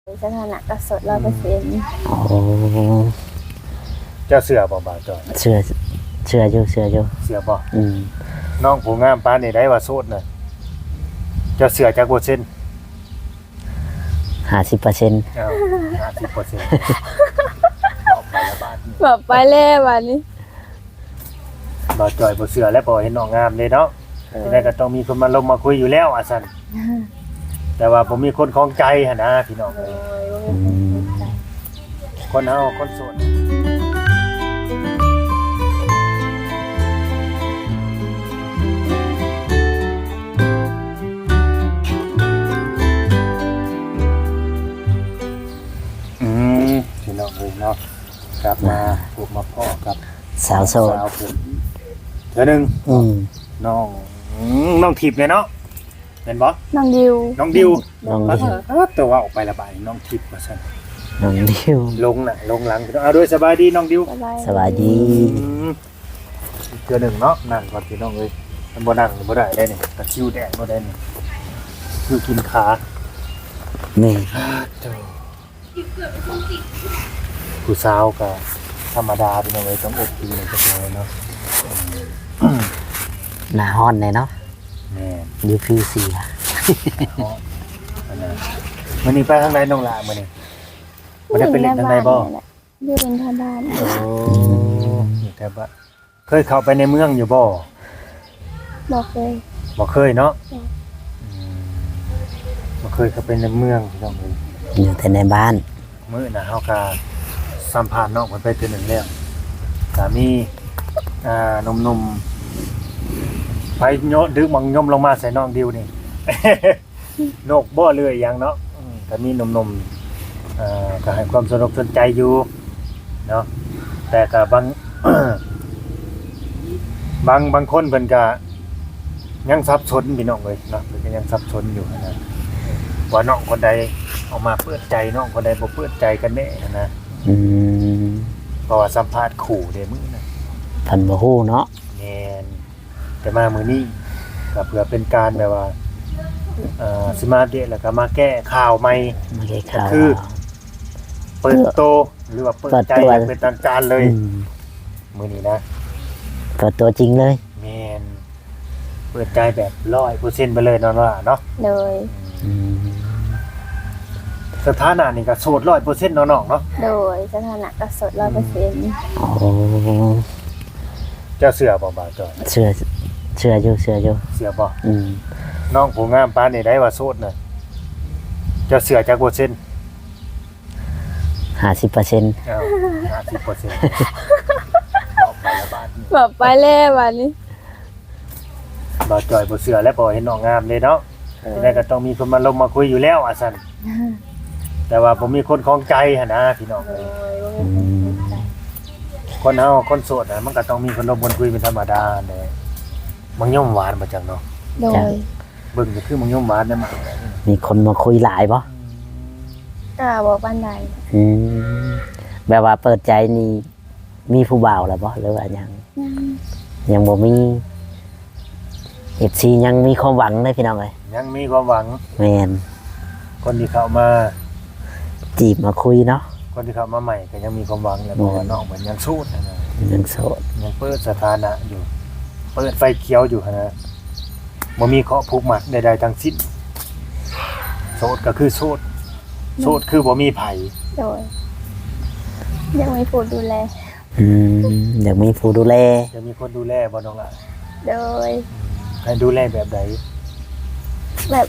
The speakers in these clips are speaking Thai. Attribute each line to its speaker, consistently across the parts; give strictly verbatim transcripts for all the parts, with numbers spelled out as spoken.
Speaker 1: สถานะก็สดร้อยเปอร์เซ็นต์
Speaker 2: โอ้
Speaker 3: เจ้าเสือบ่บ่าวจอย
Speaker 2: เชื่อเชื่ออยู่เชื่ออยู่
Speaker 3: เสือบ่
Speaker 2: อืม
Speaker 3: น้องผู้งามปานนี่ได้ว่าโสดน่ะเจ้าเสือจักบ่เซ็น
Speaker 2: ห้าสิบเปอร์เซ็นต์
Speaker 3: อ้าวห้าสิบเปอร์เซ็นต์บอกไปละบาทนี่
Speaker 1: แบบไปแล้ววันนี้
Speaker 3: บ่าวจอยบ่เสือและบ่เห็นน้องงามเลยเนาะทีแรกก็ต้องมีคนมาลงมาคุยอยู่แล้วอ่ะซั่นแต่ว่าผมมีคนของใจหั่นนะพี่น้องเอ้ยคนเฮาคนโสดอืมพี่น้องเอ้ยเนาะกลับมาพบมาพ่อกับ
Speaker 2: สาวโสด
Speaker 3: สาวเพิ่นเทื่อนึง
Speaker 2: อืม
Speaker 3: น้องอืมน้องทิพย์เนี่ยเนาะเห็นบ่
Speaker 1: น้องดิว
Speaker 3: น้องดิว
Speaker 2: น้องดิว
Speaker 3: เออตัวว่าออกไประบายน้องทิพย์ว่าซั่น
Speaker 2: น้องดิว
Speaker 3: ลงน่ะลงหลังพี่น้องเอาด้วยสบายดีน้องดิว
Speaker 2: สบายดี
Speaker 3: อืมเทื่อนึงเนาะนั่งก่อนพี่น้องเอ้ยมันบ่นั่งบ่ได้ได้นี่ตะคริวแดงบ่ได้นี่คือกินขา
Speaker 2: นี่
Speaker 3: ผู้สาวก็ธรรมดาพี่น้องเอ้ยต้องอดดีหน่อยจักหน่อยเนาะ
Speaker 2: หน้าฮ้อนเลยเนาะ
Speaker 3: แม่น
Speaker 2: ดิวฟิวเสีย
Speaker 3: ฮอดอันนั้นมื้อนี้ไปทางไหนน้องหล่ะมื้อนี้บ่ได้ไปเล่นทางไหนบ่
Speaker 1: อยู่เป็นทางบ้าน
Speaker 3: โอ้อยู่แต่ว่าเคยเข้าไปในเมืองอยู่บ่
Speaker 1: บอกเลย
Speaker 3: บ่เคยเนาะอืมบ่เคยเข้าไปในเมืองพี่น้องเอ้ย
Speaker 2: อยู่แต่ในบ้าน
Speaker 3: มื้อน่ะเฮาก็สัมภาษณ์น้องเพิ่นไปเทื่อหนึงแล้วก็มีอ่าหนุ่มๆไปโยนดึกมังยมลงมาใส่น้องดิวนี่ นกบ่เลื่อยหยังเนาะอืมก็มีหนุ่มๆอ่าก็ให้ความสนอกสนใจอยู่เนาะแต่ก็บาง บางบางคนเพิ่นก็ยังสับสนพี่น้องเอ้ยเนาะเพิ่นก็ยังสับสนอยู่นะว่าน้องคนใดออกมาเปิดใจน้องคนใดบ่เปิดใจกันแน่นะ
Speaker 2: อืม
Speaker 3: เพราะว่าสัมภาษณ์ขู่เด้มื้อนะ
Speaker 2: เพิ่นบ่ฮู้เนาะ
Speaker 3: แม่นแต่มามื้อนี้ก็เพื่อเป็นการแบบว่าเอ่อสิมาอัปเดตแล้วก็มาแก้ข่าวใหม่
Speaker 2: ไม่ได้ข่าว
Speaker 3: คือ เปิดโตหรือว่าเปิดใจอย่างเป็นทางการเลย
Speaker 2: อืม
Speaker 3: มื้อนี้นะ
Speaker 2: เปิดตัวจริงเลย
Speaker 3: แม่นเปิดใจแบบ ร้อยเปอร์เซ็นต์ ไปเลยเนาะว่าเนาะ
Speaker 1: เลย
Speaker 2: อืม
Speaker 3: สถานะนี่ก็โสด ร้อยเปอร์เซ็นต์ เนาะน้องเนาะ
Speaker 1: โดยสถานะก็สดร้อยเปอร์เซ็นต์
Speaker 2: โอ้
Speaker 3: เจ้าเสือบ่บ่าวจอย
Speaker 2: เชื่อเชื่ออยู่เชื่ออยู่
Speaker 3: เสือบ่
Speaker 2: อืม
Speaker 3: น้องผู้งามปานนี่ได้ว่าโสดน่ะเจ้าเสือจักเปอร์เซ็นต์
Speaker 2: ห้าสิบเปอร์เซ็นต์
Speaker 3: อ้าวห้าสิบเปอร์เซ็นต์ บอกไปละบาทนี่
Speaker 1: แบบไปแล้ววันนี้
Speaker 3: บ่าวจอยบ่เสือและบ่เห็นน้องงามเลยเนาะทีแรกก็ต้องมีคนมาลงมาคุยอยู่แล้วอ่ะซั่นแต่ว่าผมมีคนของใจหั่นนะพี่น้องเอ้ย
Speaker 2: อืม
Speaker 3: คนเฮาคนโสดน่ะมันก็ต้องมีคนลงบนคุยเป็นธรรมดาแหละมังย่อมหวานบ่จังเนาะ
Speaker 1: โดย
Speaker 3: เบิ่งก็คือมังย่อมหวานนั่นมา
Speaker 2: มีคนมาคุยหลายบ่
Speaker 1: กล้าบอกบ้านใด
Speaker 2: อืมแบบว่าเปิดใจนี่มีผู้บ่าวแล้วบ่หรือว่ายังยังบ่มี เอฟ ซี ยังมีความหวังเลยพี่น้องเอ้ย
Speaker 3: ยังมีความหวัง
Speaker 2: แม่น
Speaker 3: คนที่เข้ามา
Speaker 2: จีบมาคุยเนาะ
Speaker 3: คนที่เข้ามาใหม่ก็ยังมีความหวังแหละเพราะว่าน้องมันยังโสดนะนะ
Speaker 2: ยังโสด
Speaker 3: ยังเปิดสถานะอยู่ เปิดไฟเขียวอยู่หั่นนะบ่มีเคาะผูกมัดใดๆทั้งสิ้นโสดก็คือโสดโสดคือบ่มีไผ
Speaker 1: โดยยังไม่พูดดูแล
Speaker 2: อืมอยากมีผู้ดูแล
Speaker 3: จะมีคนดูแลบ่น้องล่ะ
Speaker 1: โดย
Speaker 3: ให้ดูแลแบบใด
Speaker 1: แบบ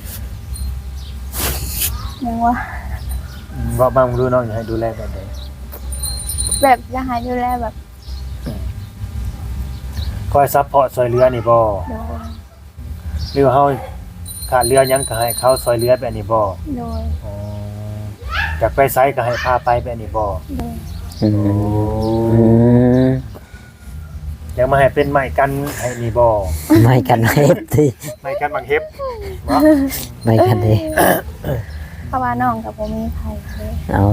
Speaker 1: ยังว่า
Speaker 3: อืมว่าบ้างรู้น้องอยากให้ดูแลแบบใด
Speaker 1: แบบอยากให้ดูแลแบบ
Speaker 3: คอยซัพพอร์ตซอยเรือนี่บ่
Speaker 1: โดย
Speaker 3: หรือว่าเฮาขาดเรือหยังก็ให้เขาซอยเรือแบบนี้บ่
Speaker 1: โดย
Speaker 3: อ๋ออยากไปไสก็ให้พาไปแบบนี้บ่
Speaker 1: โดย
Speaker 2: อืมอืม
Speaker 3: อยากมาให้เป็นไม้กันให้นี่บ่
Speaker 2: ไม่กันเฮ็ดที่
Speaker 3: ไม้กันบางเฮ็บบ่
Speaker 2: ไม่กันเด้
Speaker 1: เพราะว่าน้องกับผมมีใครเลย
Speaker 2: เอา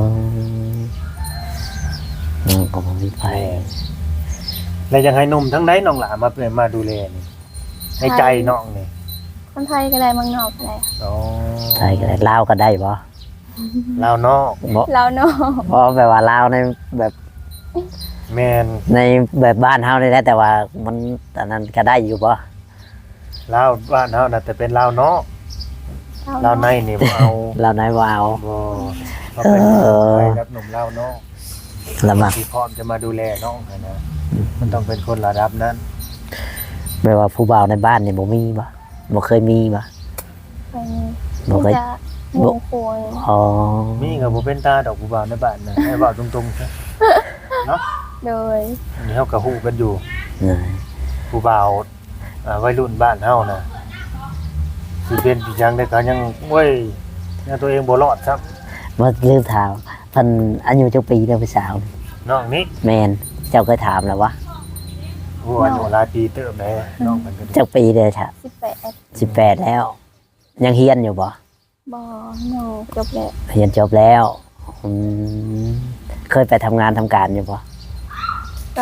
Speaker 2: น้องก็บ่มีไผ
Speaker 3: แล้วยังให้หนุ่มทั้งใดน้องหลามาเป็นมาดูแลนี่ในใจน้องนี่
Speaker 1: คนไทยก็ได้เมืองนอกก็ได้
Speaker 3: อ๋อ
Speaker 2: ไทยก็ได้ลาวก็ได้บ่
Speaker 3: ลาวนอก
Speaker 2: บ่
Speaker 1: เราเนาะ
Speaker 2: เพราะแบบว่าลาวในแบบ
Speaker 3: แมน
Speaker 2: ในแบบบ้านเฮานี่แหละแต่ว่ามันตอนนั้นก็ได้อยู่บ่
Speaker 3: ลาวบ้านเฮาน่ะแต่เป็นลาวนอกลาวในนี่บ่เอา
Speaker 2: ลาวในวาว
Speaker 3: บ่เขาเป็น
Speaker 2: เออ
Speaker 3: ไปกับหนุ่มลาวนอก
Speaker 2: ลำบาก
Speaker 3: ที่พร้อมจะมาดูแลน้องนะนะมันต้องเป็นคนระดับนั้น
Speaker 2: แบบว่าผู้บ่าวในบ้านนี่บ่มีบ่บ่เคยมีบ่
Speaker 1: ไป
Speaker 2: บ่เคย
Speaker 1: จะหมูโคย
Speaker 2: อ๋อ
Speaker 3: มีกับบ่เป็นตาดอกผู้บ่าวในบ้านนะให้เว้าตรงๆซะเนาะ
Speaker 1: โดย
Speaker 3: อันนี้เฮาก็ฮู้กันอยู่
Speaker 2: เออ
Speaker 3: ผู้บ่าวอ่าวัยรุ่นบ้านเฮานะสิเป็นสิจังได้ก็ยังโอ้ยยังตัวเองบ่รอดครับ
Speaker 2: บ่ลืมถามเพิ่นอายุจักปีเด้อผู้สาวนี่
Speaker 3: น้องนี้
Speaker 2: แม่นเจ้าเคยถามแล้ววะ
Speaker 3: โอ้อายุหลายปีเติบแล้วน้องมันก็ดี
Speaker 2: จักปีเด้อค่ะ
Speaker 1: สิบแปด
Speaker 2: สิบแปดแล้ว ยังเฮียนอยู่บ่
Speaker 1: บ่หนูจบแล้ว
Speaker 2: เฮียนจบแล้วอืมเคยไปทำงานทำการอยู่บ่
Speaker 1: ก็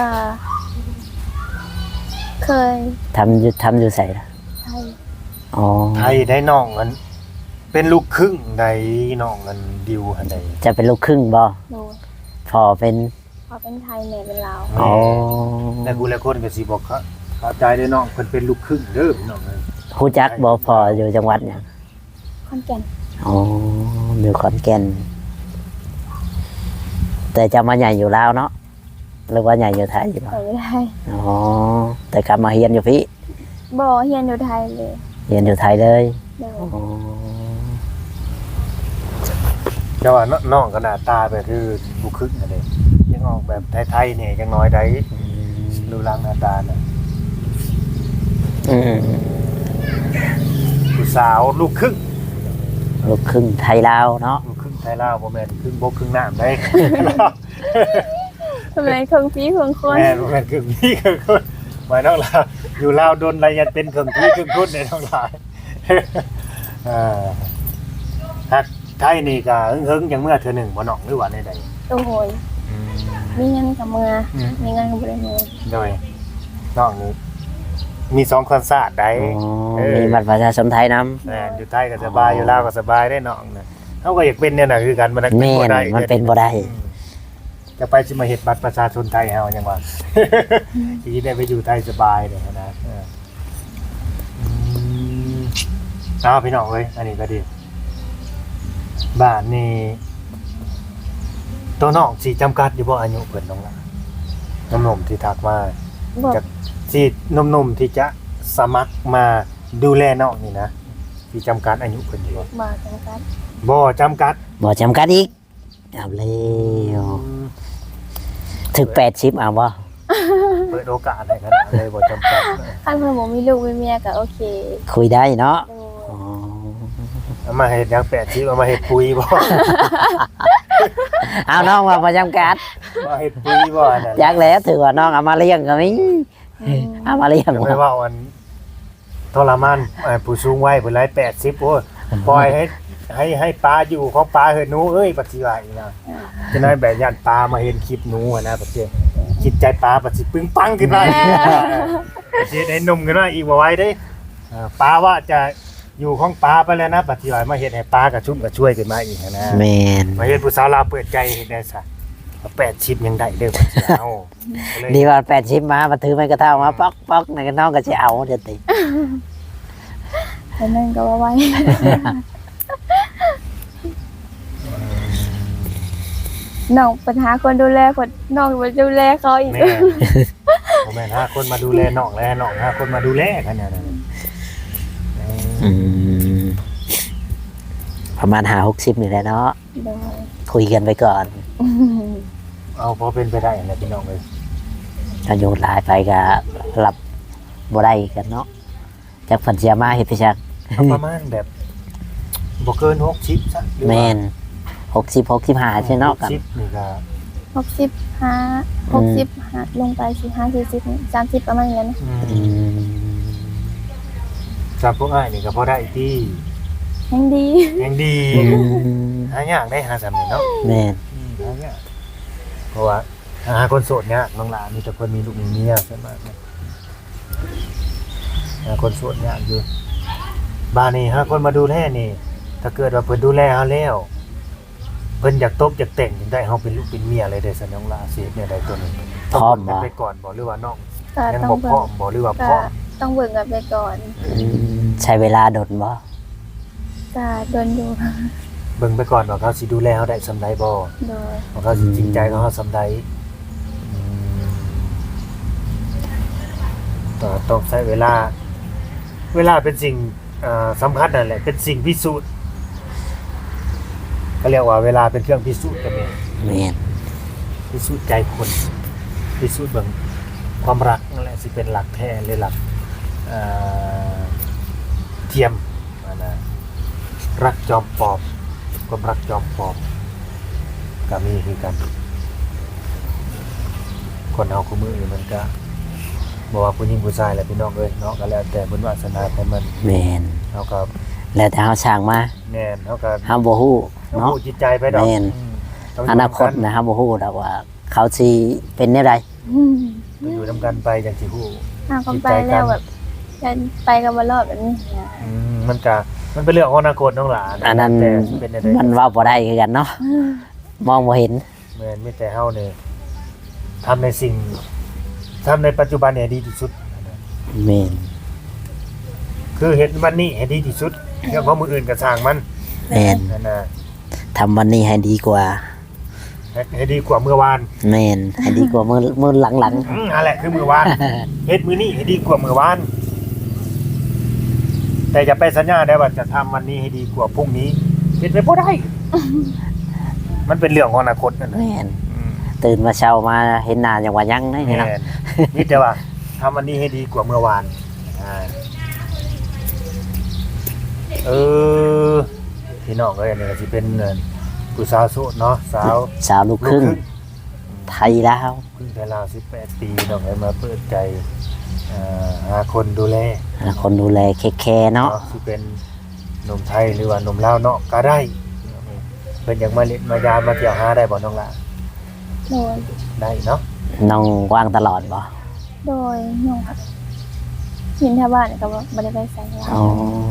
Speaker 1: เคย
Speaker 2: ทำอยู่ทำอยู่ไสล่ะ
Speaker 1: ใช่
Speaker 2: อ๋อ
Speaker 3: ไทยได้น้องมัน เป็นลูกครึ่งใดน้องมันดิวหันใด
Speaker 2: จะเป็นลูกครึ่งบ่
Speaker 1: หนู
Speaker 2: พอเป็น
Speaker 1: พอเป็นไทยแม่เป็นลาว
Speaker 2: อ๋อ
Speaker 3: แต่กูและคนก็สิบอกเขาเข้าใจได้น้องเพิ่นเป็นลูกครึ่งเด้อพี่น้องเอ้ย
Speaker 2: ฮู้จักบ่พออยู่จังหวัดหยัง
Speaker 1: ขอนแก่น
Speaker 2: อ๋ออยู่ขอนแก่นแต่จะมาใหญ่อยู่ลาวเนาะหรือว่าใหญ่อยู่ไทยอยู่บ่
Speaker 1: ไปไม่ได้
Speaker 2: อ๋อแต่กลับมาเฮียนอยู่พี่
Speaker 1: บ่เฮียนอยู่ไทยเลย
Speaker 2: เฮียนอยู่ไทยเลย
Speaker 1: เดี๋ยว
Speaker 2: อ๋อ
Speaker 3: แต่ว่าน้องก็หน้าตาแบบคือลูกครึ่งนั่นเด้ยังออกแบบไทยๆเนี่ยจังน้อยได้รูปร่างหน้าตาน่ะ
Speaker 2: อืม
Speaker 3: ผู้สาวลูกครึ่ง
Speaker 2: ลูกครึ่งไทยลาวเนาะ
Speaker 3: ลูกครึ่งไทยลาวบ่แม่นครึ่งบกครึ่งน้ำได้
Speaker 1: ทำไมเครื่องพีเครื่องคน
Speaker 3: แม่บ่แม่นครึ่งพี่ครึ่งคนหมายน้องลาวอยู่ลาวโดนอะไรยันเป็นครึ่งพี่ครึ่งคนในน้องลาว อ่าฮักไทยนี่ก็หึงๆจังเมื่อเทื่อหนึงบ่น้องหรือว่าในใด
Speaker 1: โอ้โหยมีเงินกับเมือมีเงินกับบ่ได้เมือ
Speaker 3: โดยน้องนี่มีสองคอนเสิร์ตได้
Speaker 2: อ๋อ
Speaker 3: เออ
Speaker 2: มีบัตรประชาชนไทยนํ
Speaker 3: แม่นอยู่ไทยก็สบายอยู่ลาวก็สบายได้น้องน่ะเฮาก็อยากเป็นเนี่ยน่ะคือกันมัน
Speaker 2: แม่นมันเป็นบ่ได้
Speaker 3: จะไปสิมาเฮ็ดบัตรประชาชนไทยเฮาจังว่า สิได้ไปอยู่ไทยสบายเนี่ยนะเอออืมอ้าวพี่น้องเอ้ยอันนี้ก็ดีบ้านนี่ตัวน้องสิจำกัดอยู่บ่อายุเพิ่นน้องล่ะหนุ่มๆที่ทักมา
Speaker 1: บอก
Speaker 3: จากที่หนุ่มๆที่จะสมัครมาดูแลน้องนี่นะที่จำกัดอายุเพิ่นอยู่บ่
Speaker 1: มาจังกัน
Speaker 3: บ่จำกัด
Speaker 2: บ่จำกัดอีกเอาแล้วถึงแปดสิบเอาบ่
Speaker 3: เปิดโอกาสให้ขนาดเลยบ่จำกัด
Speaker 1: คันเพิ่นบ่มีลูกมีเมียก็โอเค
Speaker 2: คุยได้เนาะ
Speaker 1: โดย
Speaker 2: อ๋อ
Speaker 3: เอามาเฮ็ดหยังแปดสิบเอามาเฮ็ดปุ๋ยบ่
Speaker 2: เอาน้องมาบ่จำกัด
Speaker 3: มาเฮ็ดปุ๋ยบ่นั่น
Speaker 2: อยากแล้วถือว่าน้องเอามาเลี้ยงก็มีเอามาเลี้ยง
Speaker 3: จะไม่ว่าอันทรมานอ่าผู้สูงวัยเพิ่นหลายแปดสิบโอ้ยปล่อยให้ให้ให้ปลาอยู่ของปลาเฮ็ดหนูเอ้ยปัจจิว่าอีกนะจะน้อยแบบย่านปลามาเห็นคลิปหนูอะนะปัจจิจิตใจปลาปัจจิปึ้งปังขึ้นมาปัจจิได้หนุ่มขึ้นมาอีกบ่ไหว้เด้อ่าปลาว่าจะอยู่ของปลาไปแล้วนะปัจจิว่ามาเฮ็ดให้ปลากระชุ่มกระช่วยขึ้นมาอีกนะ
Speaker 2: แม่น
Speaker 3: มาเฮ็ดผู้สาวลาวเปิดใจเฮ็ดได้ซะแปดสิบยังได้เด้อปัจจิเอาก็เลย
Speaker 2: ดีว่าแปดสิบมามาถือไม้กระเท่ามาป๊อกป๊อกในกน้องก็สิเอาเดี๋ยวติ
Speaker 1: แต่นั่นก็ว่าไว้ น้องปัญหาคนดูแลคนน้องมาดูแลเขาอีก
Speaker 3: แม่ผมแม่นห้าคนมาดูแลน้องแล้วน้องห้าคนมาดูแลกันเนี่ยนะ
Speaker 2: อืมประมาณห้าหกสิบนี่แหละเนาะ
Speaker 1: โดย
Speaker 2: คุยกันไปก่อน
Speaker 3: เอาพอเป็นไปได้แหละพี่น้องเลย
Speaker 2: อายุหลายไปก็หลับบ่ได้กันเนาะจากฝันเสียมาเฮ็ดพิชัก
Speaker 3: เอาประมาณแบบบ่เกินหกสิบซะหรือว่า
Speaker 2: แม่นหกสิบหกสิบห้าใช่เนาะกัน
Speaker 3: หกสิบนี่ก็
Speaker 1: หกสิบห้าหกสิบห้าลงไปสี่ห้าสี่สิบสามสิบประมาณนี้นะ
Speaker 3: อื
Speaker 2: อื
Speaker 3: ม
Speaker 2: ม
Speaker 3: จากพวกอ้ายนี่ก็พอได้ที่
Speaker 1: ยังดี
Speaker 3: ยังดี
Speaker 2: อืม
Speaker 3: หายากได้หาสามีเนาะ
Speaker 2: แม่น
Speaker 3: อืมหายากเพราะว่าหาคนโสดเนี่ยน้องหลานมีแต่คนมีลูกมีเมียใช่ไหมหาคนโสดเนี่ยากอยู่บ้านนี่หาคนมาดูแลนี่ ถ้าเกิดว่าเพิ่นดูแลเฮาแล้วเพิ่นอยากตบอยากแต่งจังได้เฮาเป็นลูกเป็นเมียอะไรได้ซะน้องลาสิเนี่ยได้ตัวนี้
Speaker 2: พร้อม
Speaker 3: บ่
Speaker 2: บ่
Speaker 3: ไปก่อนบ่หรือว่าน้อง
Speaker 1: ก็
Speaker 3: ยัง
Speaker 1: ต้อง
Speaker 3: บ่พ
Speaker 1: เบิ่
Speaker 3: ร้อง มบ่หรือว่าพ
Speaker 1: ก็
Speaker 3: ร้อม
Speaker 1: ต้องเบิ่งกันไปก่อน
Speaker 2: อืมใช้เวลาดนบ่
Speaker 1: ก็โดนอยู่
Speaker 3: เบิ่งไปก่อนว่าเขาสิดูแลเฮาได้สำใดบ่
Speaker 1: โดย
Speaker 3: ว่าเขาสิจริงใจกับเฮาสำใดอืมก็ต้องใช้เวลา เวลาเป็นสิ่งเอ่อสำคัญนั่นแหละเป็นสิ่งพิสูจน์ก็เรียกว่าเวลาเป็นเครื่องพิสูจน์กันแม่น
Speaker 2: แม่น
Speaker 3: พิสูจน์ใจคนพิสูจน์เบิ่งความรักนั่นแหละสิเป็นหลักแท้หรือหลักเอ่อเทียมว่านะรักจอมปลอมความรักจอมปลอมก็มีคือกัน คนเฮาคู่มือนี่มันก็บ่ว่าผู้หญิงผู้ชายแหละพี่น้องเอ้ยเนาะก็แล้วแต่บุญวาสนาของมัน
Speaker 2: แม่น
Speaker 3: เฮาก็
Speaker 2: แล้วแต่เฮาสร้างมา
Speaker 3: แน่นเฮาก็
Speaker 2: เฮาบ่ฮู้
Speaker 3: เฮา
Speaker 2: เนาะ
Speaker 3: ผู้จิตใจไปดอก
Speaker 2: แม่น
Speaker 3: อืมต้ง
Speaker 2: อนาคตนะเฮาบ่ฮู้ดอกว่า เขาสิเป็นแนวใด
Speaker 1: อืม
Speaker 3: ต้องอยู่นำกันไปจังสิฮู้
Speaker 1: ถ้าเขาไปแล้วแบบจะไปกันบ่รอดแบบนี้นะ
Speaker 3: อืมมันก็มันเป็นเรื่องของอนาคตน้องหลาน
Speaker 2: อันนั้น
Speaker 3: แต่สิเป็นจังได๋
Speaker 2: มันเว้าบ่ได้คือกันเนาะ
Speaker 1: อืม
Speaker 2: มองบ่เห็น
Speaker 3: แม่นมีแต่เฮานี่ทำในสิ่งทำในปัจจุบันให้ดีที่สุด
Speaker 2: แม่น
Speaker 3: คือเฮ็ดวันนี้ให้ดีที่สุดเรื่องของมื้ออื่นก็สร้างมัน
Speaker 2: แม่น
Speaker 3: นั่นน่ะ
Speaker 2: ทำวันนี้ให้ดีกว่า
Speaker 3: ให้ให้ดีกว่าเมื่อวาน
Speaker 2: แม่นให้ดีกว่ามื้อมื้อหลัง
Speaker 3: อืมนั่นแหละคือมื้อวาน เฮ็ดมื้อนี้ให้ดีกว่ามื้อวาน แต่อย่าไปสัญญาได้ว่าจะทำวันนี้ให้ดีกว่าพรุ่งนี้เฮ็ดไปบ่ได้ มันเป็นเรื่องของอนาคตนั่น
Speaker 2: ๆ
Speaker 3: น่ะ
Speaker 2: แม่น
Speaker 3: อืม
Speaker 2: ตื่นมาเช้ามาเห็นหน้าอย่างว่ายังได้
Speaker 3: แม่
Speaker 2: เนาะ
Speaker 3: นนี่แต่ว่าทำวันนี้ให้ดีกว่าเมื่อวานอ่าเออพี่น้องเอ้ยอันนี้ก็สิเป็นเอ่อผู้สาวโสดเนาะสาว
Speaker 2: สาวลูกครึ่งไทยลาว
Speaker 3: เพิ่งแต่ราวสิบแปดปีน้องเอ้ยมาเปิดใจเอ่อหาคนดูแล
Speaker 2: หาคนดูแลเค้กแคร์เนาะ
Speaker 3: เนาะสิเป็นหนุ่มไทยหรือว่าหนุ่มลาวเนาะก็ได้เพิ่นอยากมาเล่นมายามมาเที่ยวหาได้บ่น้องล่ะ
Speaker 1: โดย
Speaker 3: ได้เนาะ
Speaker 2: น้องว่างตลอดบ่
Speaker 1: โดยน้องครับยินแถวบ้านก็บ่บ่ได้ไปใส่ลา
Speaker 2: อ๋อ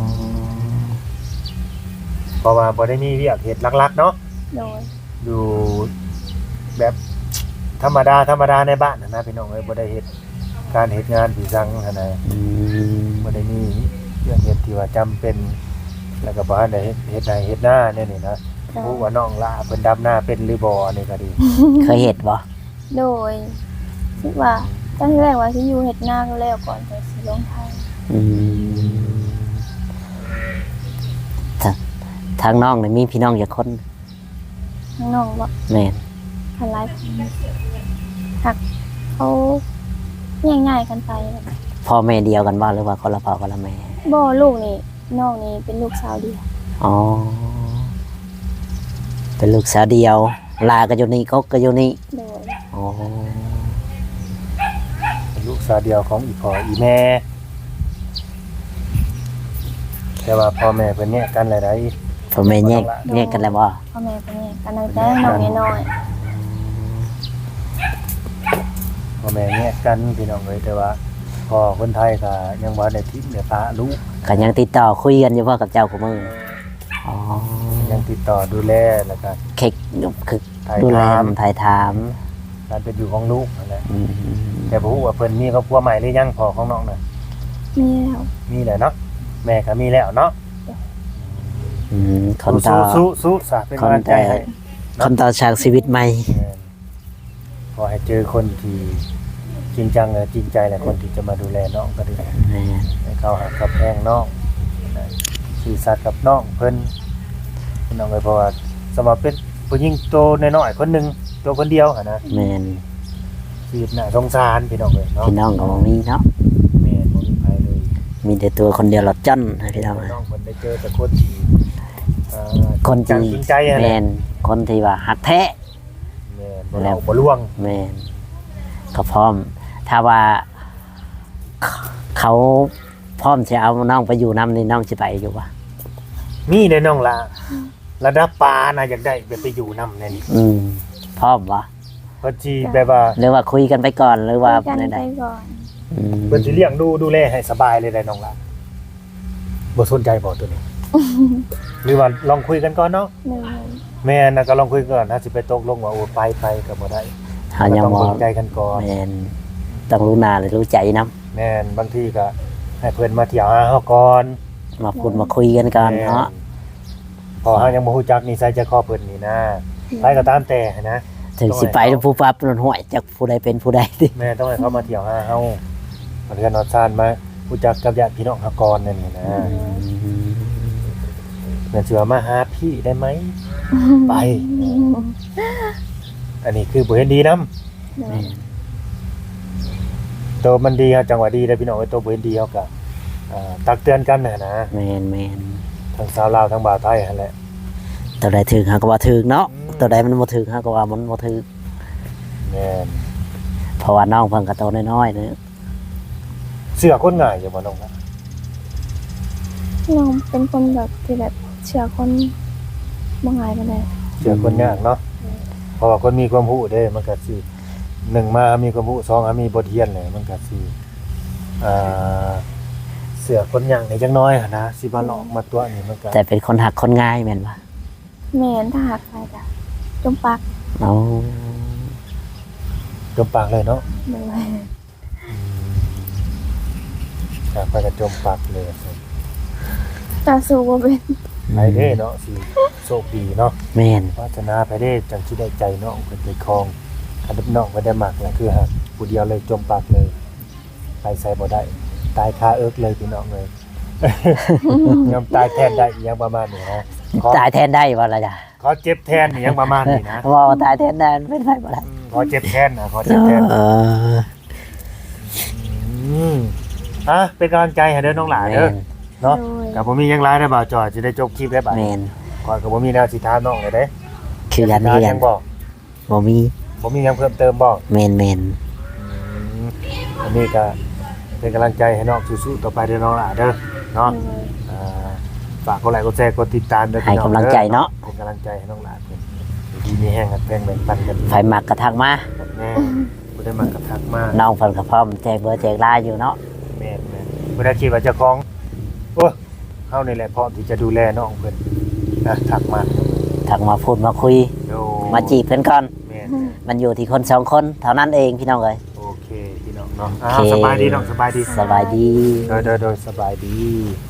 Speaker 3: เพราะว่าบ่ได้มีเวียกเฮ็ดหลักๆเนาะ
Speaker 1: โดย
Speaker 3: อยู่แบบธรรมดาธรรมดาในบ้านน่ะนะพี่น้องเอ้ยบ่ได้เฮ็ดการเฮ็ดงานผีสังหั่นน่ะ
Speaker 2: อืม
Speaker 3: บ่ได้มีเรื่องเฮ็ดที่ว่าจำเป็น แล้วก็บ่ทันได้เฮ็ดเฮ็ดนาเฮ็ดหน้าแน่นี่นะ
Speaker 1: โด
Speaker 3: ผู้
Speaker 1: ย
Speaker 3: ว่าน้องล่ะเพิ่นดำหน้าเป็นหรือบ่นี่ก็ดี
Speaker 2: เคยเห็นบ่
Speaker 1: โดยคิดว่าตอนแรกว่าสิอยู่เฮ็ดนาก็แล้วก่อนแต่สิลงไทย
Speaker 2: อืมทาทางน้องนี่มีพี่น้องกี่คน
Speaker 1: ข้างนอกบ่
Speaker 2: แม่น
Speaker 1: คันหลายคนหักเขาง่ายๆกันไปแบบ
Speaker 2: พ่อแม่เดียวกันบ่หรือว่าคนละพ่อคนละแม่
Speaker 1: บ่ลูกนี่น้องนี่เป็นลูกสาวเดียว
Speaker 2: อ๋อเป็นลูกสาวเดียว ลาก็อยู่นี่กกก็อยู่นี่
Speaker 1: โดย
Speaker 2: อ๋อ
Speaker 3: เป็นลูกสาวเดียวของอีพ่ออีแม่ แต่ว่าพ่อแม่เพิ่นแยกกันหลาย
Speaker 2: พ่อแม่แยกแยกกันแล้วบ่
Speaker 1: พ่อแม่เป็นไงกันตั้งแต่น้องน้อย
Speaker 3: ๆพ่อแม่แยกกันพี่น้องเอ้ยแต่ว่าพ่อคนไทยก็ยังบ่ได้ทิ้งได้ปะลูก
Speaker 2: ก็ยังติดต่อคุยกันอยู่พ่อกับเจ้าของมึงอ๋อ
Speaker 3: ยังติดต่อดูแลแล้วก็
Speaker 2: เค้กคือ
Speaker 3: ถ่าย
Speaker 2: ดูแล
Speaker 3: ถาม
Speaker 2: ถ่ายถาม
Speaker 3: การเป็นอยู่ของลูกนั่นแหละ
Speaker 2: อืม
Speaker 3: แต่บ่ฮู้ว่าเพิ่นมีครอบครัวใหม่หรือยังพ่อของน้องน่ะ
Speaker 1: ๆมีแล้ว
Speaker 3: มีแหละเนาะแม่ก็มีแล้วเนาะ
Speaker 2: อืมคนต่อ
Speaker 3: สู้สู้ๆสาเป็นกำลังใจให้
Speaker 2: คนต่อฉากชีวิตใหม่
Speaker 3: ขอให้เจอคนที่จริงจังและจริงใจและคนที่จะมาดูแลน้องก็ดี
Speaker 2: แม่
Speaker 3: ให้เขาหักกับแพงน้องนะสื่อสัตย์กับน้องเพิ่นน้องเลยเพราะว่าสมัครเป็นผู้หญิงโตน้อยๆคนหนึงตัวคนเดียวหั่นนะ
Speaker 2: แม่น
Speaker 3: ชีวิตน่าสงสารพี่น้องเลยเนาะ
Speaker 2: พี่น้องก็บ่มีเนาะ
Speaker 3: แม่บ่มีใครเลย
Speaker 2: มีแต่ตัวคนเดียวหลอดจ้อนให้พี่น้อง
Speaker 3: น้องเพิ่นได้เจอแต่คนที่อ่า
Speaker 2: คน
Speaker 3: จริง
Speaker 2: ที่
Speaker 3: จริงใจอะ
Speaker 2: แม่
Speaker 3: นะ
Speaker 2: นคนที่ว่าหักแท้
Speaker 3: แม่นบ่เราบ่ล่วง
Speaker 2: แม่นก็พร้อม ถ้าว่า เขาพร้อมจะเอาน้องไปอยู่น้ำนี่น้องจะไปอยู่ปะ
Speaker 3: มีแน่น้องล่ะระดับปลาน่ะอยากได้แบบไปอยู่นำแน่นี่
Speaker 2: อืมพร้อมวะ
Speaker 3: เพิ่นสิแบบว่า
Speaker 2: หรือว่าคุยกันไปก่อนหรือว่า
Speaker 1: คุยกัน
Speaker 2: ใด
Speaker 1: ไปก่อน
Speaker 2: ๆอืม
Speaker 3: เพิ่นสิเลี้ยงดูดูแลให้สบายเลยได้น้องล่ะบ่สนใจบ่ตัวนี้หรือว่าลองคุยกันก่อนเนาะ
Speaker 1: หนึ่ง
Speaker 3: แม่น่ะก็ลองคุยก่อนถ้าสิไปตกลงว่าโอ้ไปไปก็บ่ได้
Speaker 2: เฮายัง
Speaker 3: ต้อง
Speaker 2: บ่
Speaker 3: เบิ่งใจกันก่อน
Speaker 2: แม่นต้องรู้หน้าและรู้ใจนํ
Speaker 3: แม่นบางทีก็ให้เพิ่นมาเที่ยวหาเฮาก่อน
Speaker 2: มาพูดมาคุยกันก่อนเนาะ
Speaker 3: พอเฮายังบ่ฮู้จักนิสัยใจคอเพิ่นนี่นะไปก็ตามแต่นะ
Speaker 2: ถึงสิไปแล้วผู้ปั๊บนนห้วยจักผู้ใดเป็นผู้ใดติ
Speaker 3: แม่ต้องให้เขามาเที่ยวหาเฮามาเรือนนอนซ่านมารู้จักกับญาติพี่น้องเฮาก่อนนั่นนี่นะเพิ่นสิว่ามาหาพี่ได้ไหมไป อันนี้คือบ่เห็นดีนำ
Speaker 1: หนึ่ง
Speaker 2: แม่น
Speaker 3: ตัวมันดีเฮาจังหวะดีได้พี่น้องไอ้ตัวบ่เห็นดีเฮาก็อ่าตักเตือนกันน่ะนะ
Speaker 2: แม่นแม่น
Speaker 3: ทั้งสาวลาวทั้งบ่าวไทยหั่นแหละ
Speaker 2: ตัวใดถึงเฮาก็ว่าถึงเนาะ
Speaker 3: อืม
Speaker 2: ตัวใดมันบ่ถึงเฮาก็ว่ามันบ่ถึง
Speaker 3: แม่น
Speaker 2: เพราะว่าน้องเพิ่นก็โตน้อยๆเด้อ
Speaker 3: เสื้อคนง่ายอยู่บ่น้องนะ
Speaker 1: น้องเป็นคนแบบที่แบบเชื่อคนบ่ง่ายปานใด
Speaker 3: เสื้อคนยากเนาะเพราะว่าคนมีความรู้เด้มันก็สิหนึ่งมามีความรู้สองมีบทเรียนเลยมันก็สิอ่าเสื้อคนยากนี่จังน้อยหั่นนะสิมาหลอกมาตัวนี่มันก็
Speaker 2: แต่เป็นคนหักคนง่ายแม่นบ่
Speaker 1: แม่นถ้าหากไปก็จมปัก
Speaker 2: เอา
Speaker 3: จมปากเลยเนาะ
Speaker 1: หนึ่ง
Speaker 3: อยากไปกระจมปากเลย
Speaker 1: ตาสู้บ่เป็น
Speaker 3: ไปเด้เนาะสิโชคดีเนาะ
Speaker 2: แม่น
Speaker 3: พัฒนาไปเด้จังสิได้ใจเนาะเพิ่นไปครองอันดับน้องบ่ได้มักแหละคือฮะผู้เดียวเลยจมปากเลย ไปใส่บ่ได้ ตายคาเอิกเลยพี่น้องเลย ยอมตายแทนได้อีหยังประมาณนี้นะขอ
Speaker 2: ตายแทนได้บ่ล่ะจ้ะ
Speaker 3: ขอเจ็บแทนอีหยังประมาณนี้นะ
Speaker 2: บ่ว่าตายแทนได้มันเป็นไปบ่ได้
Speaker 3: อืมขอเจ็บแทนนะขอเจ็บแทน
Speaker 2: เออ
Speaker 3: อืมอ่ะเป็นกำลังใจให้เด้อน้องหลานเด้อ
Speaker 2: แม่น
Speaker 3: เนาะ
Speaker 1: โดย
Speaker 3: กับผมมีหยังร้ายได้บ่าวจอยจะได้จบคลิปได้บ่า
Speaker 2: แม่น
Speaker 3: ก่อนกับผมมีแนวสิถามน้องเลยเด้
Speaker 2: คือกัน
Speaker 3: ถา
Speaker 2: คื
Speaker 3: ม
Speaker 2: อ
Speaker 3: ห
Speaker 2: กั
Speaker 3: ยั
Speaker 2: น
Speaker 3: งบอก
Speaker 2: บ่มี
Speaker 3: ผมมีหยังเพิ่มเติมบอก
Speaker 2: แม่นแม่น
Speaker 3: อืมอันนี้ก็เป็นกำลังใจให้น้องสู้ๆต่อไปเด้อน้องหลานเด้อเนาะ
Speaker 1: โดย
Speaker 3: อ่าฝากกดไลค์กดแชร์กดติดตามด้วย
Speaker 2: ให้กำลังใจเนาะ
Speaker 3: เป็นกำลังใจให้น้องหลานเพิ่นดีมีแห้งกันแบ่งแบ่งปันกัน
Speaker 2: ไฟมักกระทักมา
Speaker 3: แม่บ่ได้มากระทักมาก
Speaker 2: น้องเพิ่นก็พร้อมแจกเบอร์แจกไลน์อยู่เนาะ
Speaker 3: แม่แม่บ่ได้คิดว่าเจ้าของโอ้เฮานี่แหละพร้อมที่จะดูแลน้องเพิ่นนะทักมา
Speaker 2: ทักมาพูดมาคุย
Speaker 3: โด
Speaker 2: มาจีบเพิ่นก่อน
Speaker 3: แม่
Speaker 2: มันอยู่ที่คนสองคนเท่านั้นเองพี่น้องเอ้ย
Speaker 3: โอเคพี่น้องเนาะ
Speaker 2: โอ
Speaker 3: อ่า
Speaker 2: เค
Speaker 3: สบายดีน้องสบายดี
Speaker 2: สบายดี
Speaker 3: โดยโดยโดยสบายดี